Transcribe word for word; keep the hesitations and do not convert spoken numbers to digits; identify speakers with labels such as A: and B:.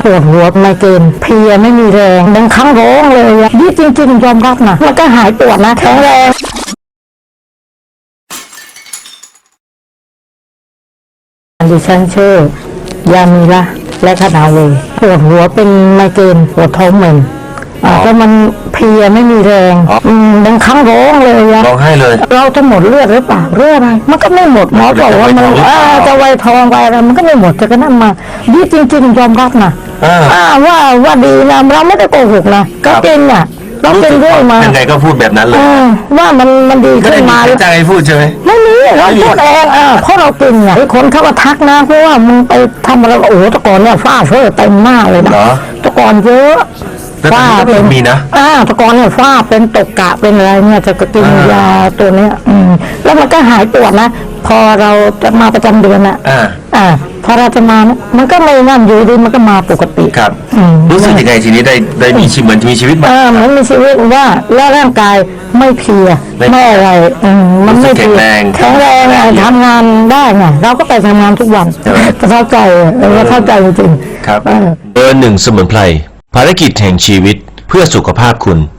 A: ปวดหัวไมเกรนเพลียไม่มีแรงบางครั้งร้องเลยนี่จริงๆยอมรับนะมันก็หายปวดนะแข็งแรงดิฉันชื่อยามีละและคณาเวปวดหัวเป็นไมเกรนปวดท้องเหม็นก็มันเพลียไม่มีแรงบางครั้งร้องเลยอะ
B: ร้องไห้เลย
A: เราจะหมดเลือดหรือเปล่าเลือดอะไรมันก็ไม่หมดหมอบอกว่ามันจะไวทองไวอะไรมันก็ไม่หมดแต่ก็นั่นมาดีจริงๆยอมรับนะว่าว่าดีนะเราไม่ได้โกหกนะก็จริงอ่ะเราเป็นเรื่องมา
B: ยังไงก็พูดแบบนั้นเลย
A: ว่ามันมันดีขึ้นมา
B: ไม่ใจพูดใช่ไหม
A: ไม่มีเราพูดเองอ่ะเพราะเรากินอ่ะคนเขาก็ทักนะเพราะว่ามึงไปทำอะไรโอ้ตะกอนเนี่ยฝ้าเฟ้อเต็มมากเลยนะตะกอนเยอะ
B: ฝ้าเป็นมีนะ
A: อ่าตะกอนเนี่ยฝ้าเป็นตกกะเป็นอะไรเนี่ยจะกินยาตัวเนี้ยอืมแล้วมันก็หายปวดนะพอเราจะมาประจำเดือนอ่ะ
B: อ่า
A: อ่าพอเราจะมามันก็ไม่นั่นอยู่ดีมันก็มาปกติ
B: ครับรู้สึกยังไงทีนี้ได้ได้มีชีวิตเหมือนมีชีวิตมา
A: อ่ามันมีชีวิตว่าแล้วร่างกายไม่เพลียไม่อะไรอืมมันไม่เพลียแข็งแรงทำงานได้ไงเราก็ไปทำงานทุกวันเข้าใจเราเข้าใจจริง
B: ครับเบอร์หนึ่งสมุนไพรภารกิจแห่งชีวิตเพื่อสุขภาพคุณ